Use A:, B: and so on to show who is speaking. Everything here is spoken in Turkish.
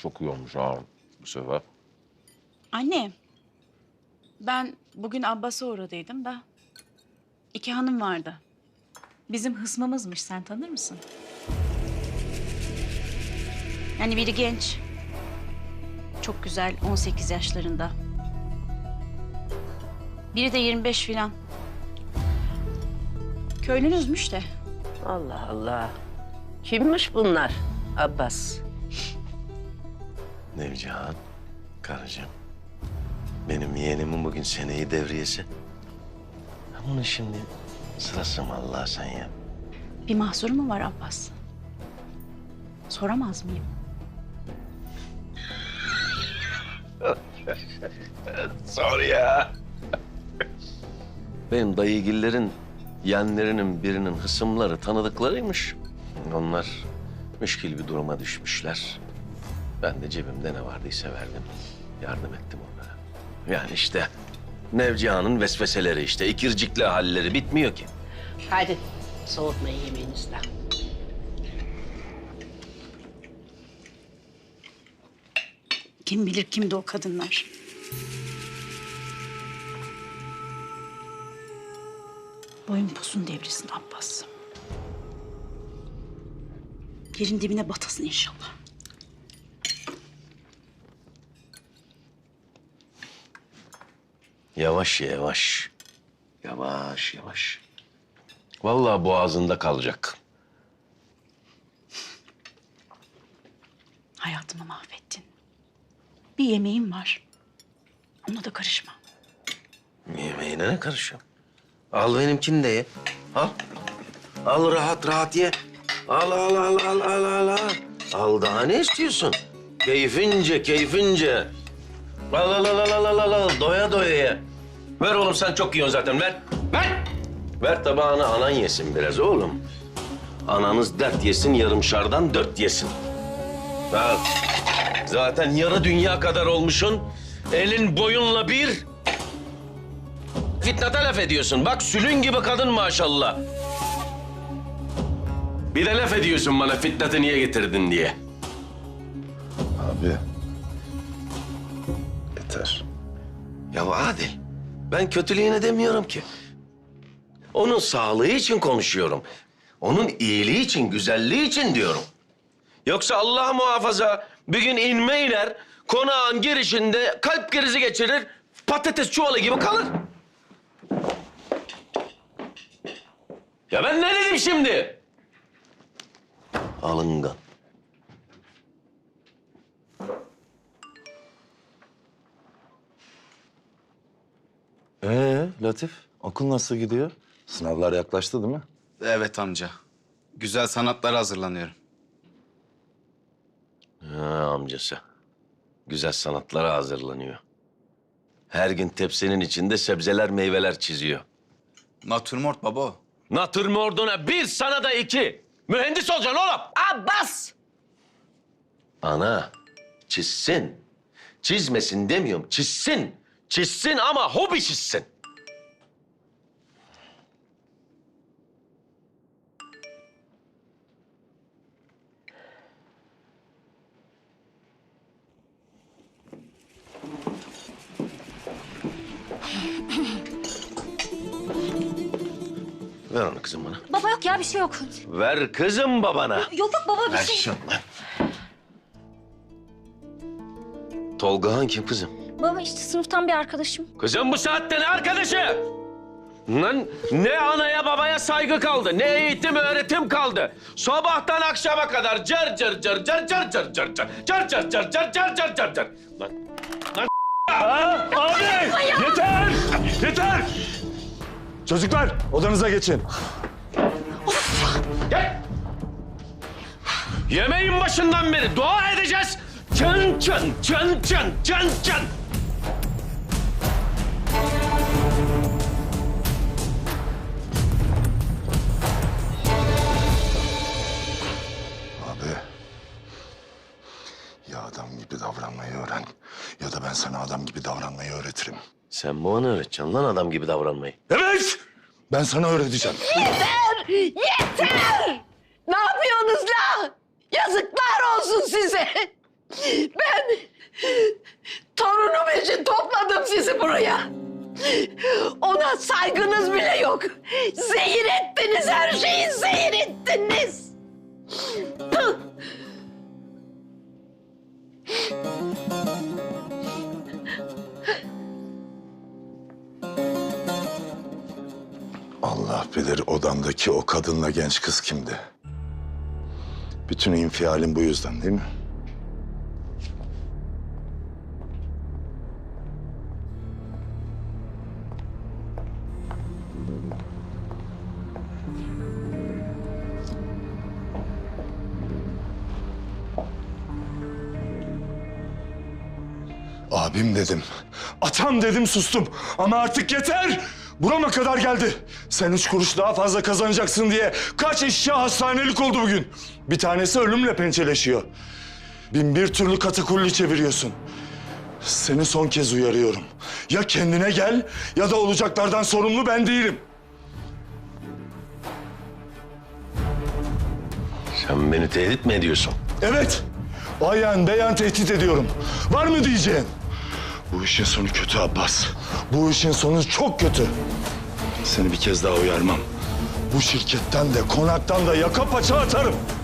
A: çok iyi olmuş ha bu sefer.
B: Anne, ben bugün Abbas'a uğradıydım da 2 hanım vardı. Bizim hısmımızmış, sen tanır mısın? Yani biri genç, çok güzel, 18 yaşlarında. Biri de 25 filan. Köylünüzmüş de.
C: Allah Allah. Kimmiş bunlar Abbas?
D: Nevcihan, karıcığım. Benim yeğenimin bugün seneyi devriyesi. Bunun şimdi sırası mı Allah sen ya?
B: Bir mahsuru mu var Abbas? Soramaz mıyım?
D: Sor ya. Benim dayıgillerin yeğenlerinin birinin hısımları tanıdıklarıymış. Onlar müşkil bir duruma düşmüşler. Ben de cebimde ne vardıysa verdim. Yardım ettim onlara. Yani işte Nevcihan'ın vesveseleri işte. İkircikli halleri bitmiyor ki.
C: Hadi soğutmayın yemeğinizden.
B: Kim bilir kimdi o kadınlar? Boyun posun devrilsin Abbas. Yerin dibine batasın inşallah.
D: Yavaş yavaş. Yavaş yavaş. Vallahi boğazında kalacak.
B: Hayatımı mahvettin. Bir yemeğim var. Ona da karışma.
D: Yemeğine ne karışıyorum? Al benimkini de ye. Al. Al rahat rahat ye. Al al al al al al al. Al daha ne istiyorsun? Keyfince keyfince. Al al al al al al al. Doya doya ye. Ver oğlum sen çok yiyorsun zaten ver. Ver. Ver tabağını anan yesin biraz oğlum. Ananız dert yesin yarımşardan 4 yesin. Al. Zaten yarı dünya kadar olmuşsun. Elin boyunla bir. Fitnata laf ediyorsun. Bak sülün gibi kadın maşallah. Bir de laf ediyorsun bana Fitnat'ı niye getirdin diye.
E: Abi. Yeter.
D: Ya Adil, ben kötülüğüne demiyorum ki. Onun sağlığı için konuşuyorum. Onun iyiliği için, güzelliği için diyorum. Yoksa Allah muhafaza bir gün inme iner, konağın girişinde kalp krizi geçirir, patates çuvalı gibi kalır. Ya ben ne dedim şimdi? Alıngan.
E: Latif, okul nasıl gidiyor? Sınavlar yaklaştı değil mi?
F: Evet amca. Güzel sanatlara hazırlanıyorum.
D: Ha, amcası. Güzel sanatlara hazırlanıyor. Her gün tepsinin içinde sebzeler, meyveler çiziyor.
F: Natürmort baba o.
D: Natürmorduna 1, sana da 2. Mühendis olacaksın oğlum.
C: Abbas!
D: Ana, çizsin. Çizmesin demiyorum, çizsin. Çizsin ama hobi çizsin. Ver onu kızım bana.
G: Baba yok ya bir şey yok.
D: Ver kızım babana.
G: Yok yok baba bir
D: Ver
G: şey.
D: şunu. Tolgahan kim kızım?
G: Baba işte sınıftan bir arkadaşım.
D: Kızım bu saatte ne arkadaşı? Lan ne anaya babaya saygı kaldı, ne eğitim öğretim kaldı. Sabahtan akşama kadar cır cır cır cır cır cır cır cır cır cır cır cır cır cır cır cır. Lan
E: Abi! Yeter! Yeter! Çocuklar, odanıza geçin.
D: gel. Yemeğin başından beri dua edeceğiz. Çın çın çın çın çın çın.
E: Abi, ya adam gibi davranmayı öğren ya da ben sana adam gibi davranmayı öğretirim.
D: Sen bana öğreteceksin lan adam gibi davranmayı.
E: Evet! Ben sana öğreteceğim.
C: Yeter! Ne yapıyorsunuz la? Yazıklar olsun size. Ben torunum için topladım sizi buraya. Ona saygınız bile yok. Zehir ettiniz, her şeyi zehir ettiniz. Püh!
E: Allah bilir odamdaki o kadınla genç kız kimdi? Bütün infialin bu yüzden değil mi? Abim dedim. Atam dedim sustum. Ama artık yeter. Burama kadar geldi. Sen 3 kuruş daha fazla kazanacaksın diye kaç eşya hastanelik oldu bugün. Bir tanesi ölümle pençeleşiyor. 1001 türlü katakulli çeviriyorsun. Seni son kez uyarıyorum. Ya kendine gel ya da olacaklardan sorumlu ben değilim.
D: Sen beni tehdit mi ediyorsun?
E: Evet. Ayan beyan tehdit ediyorum. Var mı diyeceğin? Bu işin sonu kötü Abbas. Bu işin sonu çok kötü. Seni bir kez daha uyarmam. Bu şirketten de konaktan da yaka paça atarım.